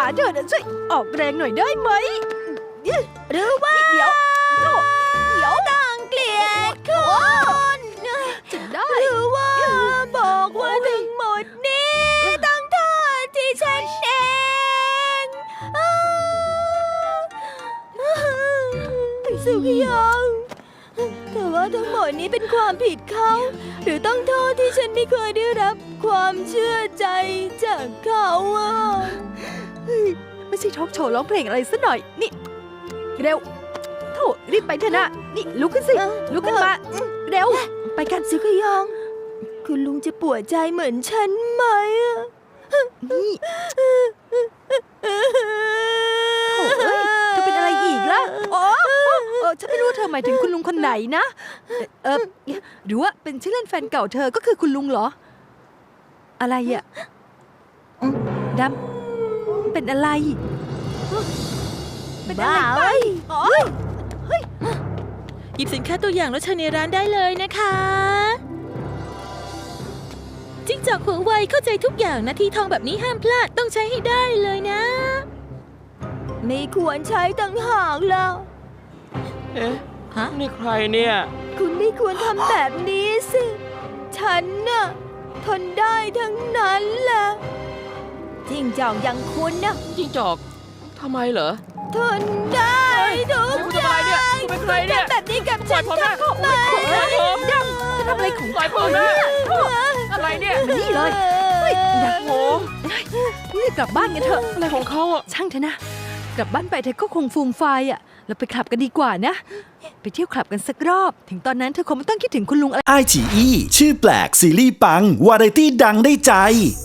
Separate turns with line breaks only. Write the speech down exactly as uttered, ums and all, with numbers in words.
ขาเธอน่ะช่วยออกแรงหน่อยได้ไหมหรือว่าเดี๋ยวโธ่เดี๋ยวดังเกลียดคุณจะได้หรือว่าบอกว่าทั้งหมดนี้ตั้งท่าที่ฉันเองสุกิยองแต่ว่าทั้งหมดนี้เป็นความผิดเขาหรือต้องโทษที่ฉันไม่เคยได้รับความเชื่อใจจากเขาอ่ะไม่ใช่ทอล์กโชว์ร้องเพลงอะไรซะหน่อยนี่เร็วโถรีบไปเถอะนะนี่ลุกขึ้นสิลุกขึ้นมาเร็วไปกันสิขยองคุณลุงจะปวดใจเหมือนฉันไหมอ่ะนี่โถเอ้ยเธอเป็นอะไรอีกล่ะอ๋อเออฉันไม่รู้เธอหมายถึงคุณลุงคนไหนนะเออหรือว่าเป็นชื่อเล่นแฟนเก่าเธอก็คือคุณลุงเหรออะไรอ่ะดำเป็นอะไรเป็นอะไรไปอ๋อ
หยิบสินค้าตัวอย่างแล้วเชิญในร้านได้เลยนะคะจิ้งจอกหัวไวเข้าใจทุกอย่างนาทีทองแบบนี้ห้ามพลาดต้องใช้ให้ได้เลยนะ
ไม่ควรใช้ต่างหากแล้ว
เอ๊ะ
ฮะ
นี่ใครเนี่ย
คุณไม่ควรทำแบบนี้สิฉันน่ะทนได้ทั้งนั้นแหละจิ้งจอกอย่างคุณน่ะ
จิ้งจอกทำไมเหรอ
ทนได้ทุกอย่าง
คุณเป็นใครเนี่ย
ทำแบบนี้กับฉัน
ปล่อยผมนะ
ทำไม
ปล่อยผม
ดำจะทำอะไรของ
ปล่อยผมนะอะไรเนี่ย
นี่เลยเฮ้ยดำ
โอ้
นี่กลับบ้านกันเถอะ
อะไรของเขาอ่ะ
ช่างเถอะนะ กลับบ้านไปเธอก็คงฟูมไฟายอ่ะเราไปคลับกันดีกว่านะ ไปเที่ยวคลับกันสักรอบ ถึงตอนนั้นเธอคงไม่ต้องคิดถึงคุณลุงอะไร
ไอ จี อี ชื่อแปลกซีรีส์ปัง วาไรตี้ดังได้ใจ